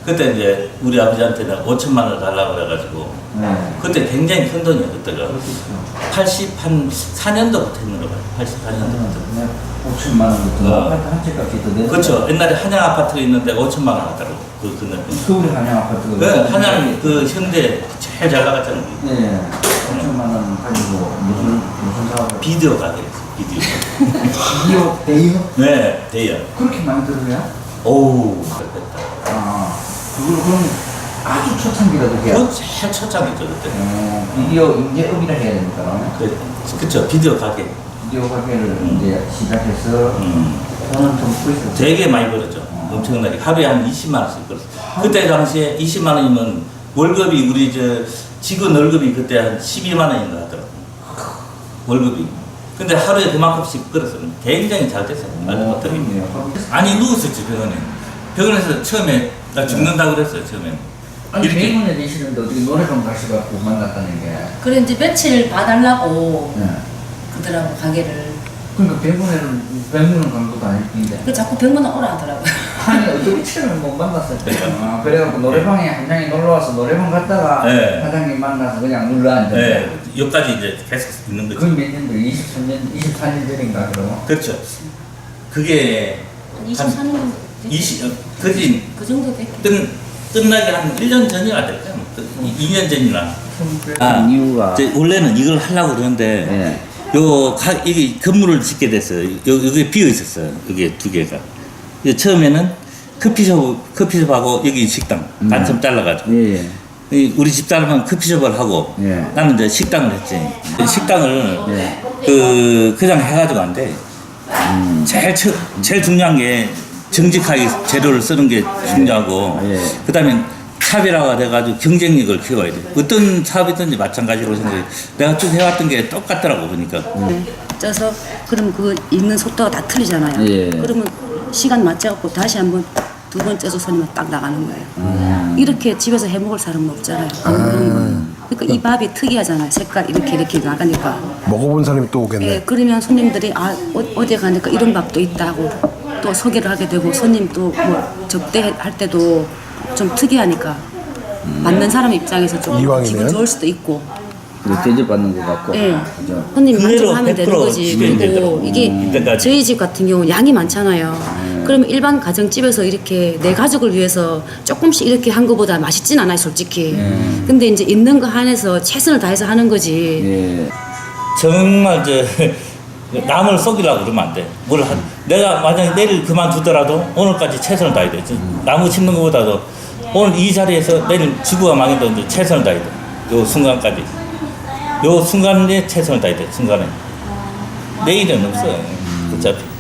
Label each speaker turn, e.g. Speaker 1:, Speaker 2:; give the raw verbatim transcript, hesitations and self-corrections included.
Speaker 1: 그때 이제 우리 아버지한테는 오천만 원 달라고 그래가지고
Speaker 2: 네.
Speaker 1: 그때 굉장히 큰 돈이에요. 그때가 팔십사 년도부터 했는 거 봐요. 팔십사 년도부터.
Speaker 2: 네. 오천만 원부터
Speaker 1: 어.
Speaker 2: 아파트 한 채값이 더 내서.
Speaker 1: 그렇죠. 옛날에 한양 아파트가 있는데 오천만 원 하더라고. 그 그날.
Speaker 2: 서울의 한양 아파트가.
Speaker 1: 그 한양 그 현대 제일 잘 나갔잖아요.
Speaker 2: 네. 오천만 원 가지고 무슨 무슨 사업?
Speaker 1: 비디오 가게였어. 비디오.
Speaker 2: 비디오 대여?
Speaker 1: 네, 대여.
Speaker 2: 그렇게 많이 들어요?
Speaker 1: 오우, 그랬다.
Speaker 2: 아, 그걸 그럼 아주 초창기라도 해야.
Speaker 1: 그건 제일 초창이죠 그때.
Speaker 2: 어, 비디오 인재업이라 해야 됩니까?
Speaker 1: 그, 그쵸. 비디오 가게.
Speaker 2: 비디오 가게를
Speaker 1: 음.
Speaker 2: 이제 시작해서
Speaker 1: 음.
Speaker 2: 돈은 좀 벌었어요.
Speaker 1: 되게 많이 벌었죠.
Speaker 2: 어.
Speaker 1: 엄청나게. 하루에 한 이십만 원씩 벌었어요. 그때 당시에 이십만 원이면 월급이 우리 저 직원 월급이 그때 한 십이만 원인가 하더라고. 월급이. 근데 하루에 그만큼씩 벌었어요. 굉장히 잘 됐어요. 말도
Speaker 2: 어,
Speaker 1: 못하게.
Speaker 2: 그렇네요.
Speaker 1: 아니 누웠었지 병원에. 병원에서 처음에 나 죽는다고 그랬어요. 처음에.
Speaker 2: 아니
Speaker 1: 이렇게.
Speaker 2: 병원에 계시는데 어떻게 노래방 가셔갖고 만났다는 게.
Speaker 3: 그래 이제 며칠 봐달라고
Speaker 2: 네.
Speaker 3: 그러더라고 가게를.
Speaker 2: 그러니까 병원에는 병문안 간 것도 아닐 텐데.
Speaker 3: 그 자꾸 병문안 오라 하더라고.
Speaker 2: 아니 어떻게 처음에 못 만났을 때. 아, 그래갖고 노래방에 한장이 놀러 와서 노래방 갔다가
Speaker 1: 네.
Speaker 2: 사장님 만나서 그냥 눌러 앉았다.
Speaker 1: 네. 여기까지 이제 계속 있는 거죠.
Speaker 2: 그몇 년도 이십삼 년, 이십사 년 전인가 그럼.
Speaker 1: 그렇죠. 그게
Speaker 3: 한 이십사 년 정도 됐지.
Speaker 1: 이십, 그지
Speaker 3: 그 정도 됐겠.
Speaker 1: 끝, 끝나기 한 일 년 전이나 될까요? 이 년 전이나.
Speaker 2: 아, 이유가.
Speaker 1: 이제 원래는 이걸 하려고 그러는데,
Speaker 2: 네.
Speaker 1: 요, 가, 이게 건물을 짓게 됐어요. 요, 여기 비어 있었어요. 여기 두 개가. 이 처음에는 커피숍, 커피숍하고 여기 식당,
Speaker 2: 음.
Speaker 1: 반쯤 잘라가지고.
Speaker 2: 예, 예.
Speaker 1: 이 우리 집사람은 커피숍을 하고,
Speaker 2: 예.
Speaker 1: 나는 이제 식당을 했지. 식당을,
Speaker 2: 예.
Speaker 1: 그, 그냥 해가지고 안 돼.
Speaker 2: 음.
Speaker 1: 제일, 처, 제일 중요한 게 정직하게 재료를 쓰는 게 중요하고,
Speaker 2: 예.
Speaker 1: 그 다음에 차별화가 돼가지고 경쟁력을 키워야 돼. 어떤 사업이든지 마찬가지로 생각해. 내가 쭉 해왔던 게 똑같더라고, 보니까.
Speaker 3: 네. 쪄서 그럼 그 읽는 속도가 다 틀리잖아요.
Speaker 2: 예.
Speaker 3: 그러면 시간 맞춰갖고 다시 한번 두 번 쪄서 손님은 딱 나가는 거예요.
Speaker 2: 음.
Speaker 3: 이렇게 집에서 해 먹을 사람은 없잖아요. 그러니까 이 밥이 특이하잖아요. 색깔 이렇게 이렇게 나가니까.
Speaker 4: 먹어본 사람이 또 오겠네.
Speaker 3: 예, 그러면 손님들이 아 어, 어디 가니까 이런 밥도 있다고 또 소개를 하게 되고 손님 또 뭐 접대할 때도 좀 특이하니까 받는 사람 입장에서 좀
Speaker 4: 이왕이면?
Speaker 3: 기분 좋을 수도 있고.
Speaker 2: 대접받는 것 같고.
Speaker 3: 예.
Speaker 2: 그죠?
Speaker 3: 손님
Speaker 1: 그대로
Speaker 3: 만족하면 되는
Speaker 1: 백 퍼센트
Speaker 3: 거지.
Speaker 1: 진행이
Speaker 3: 그리고
Speaker 1: 되더라고.
Speaker 3: 이게
Speaker 1: 음, 이때까지.
Speaker 3: 저희 집 같은 경우 양이 많잖아요. 그러면 일반 가정집에서 이렇게 내 가족을 위해서 조금씩 이렇게 한 것보다 맛있진 않아요, 솔직히.
Speaker 2: 음.
Speaker 3: 근데 이제 있는 거 한해서 최선을 다해서 하는 거지.
Speaker 2: 예.
Speaker 1: 정말 저 남을 속이려고 그러면 안 돼. 뭘 한, 내가 만약에 내일 그만두더라도 오늘까지 최선을 다해야 돼. 나무 심는 것보다도 오늘 이 자리에서 내일 지구가 망해도 이제 최선을 다해야 돼. 요 순간까지. 요 순간에 최선을 다해야 돼. 순간에. 내일은 없어요. 어차피.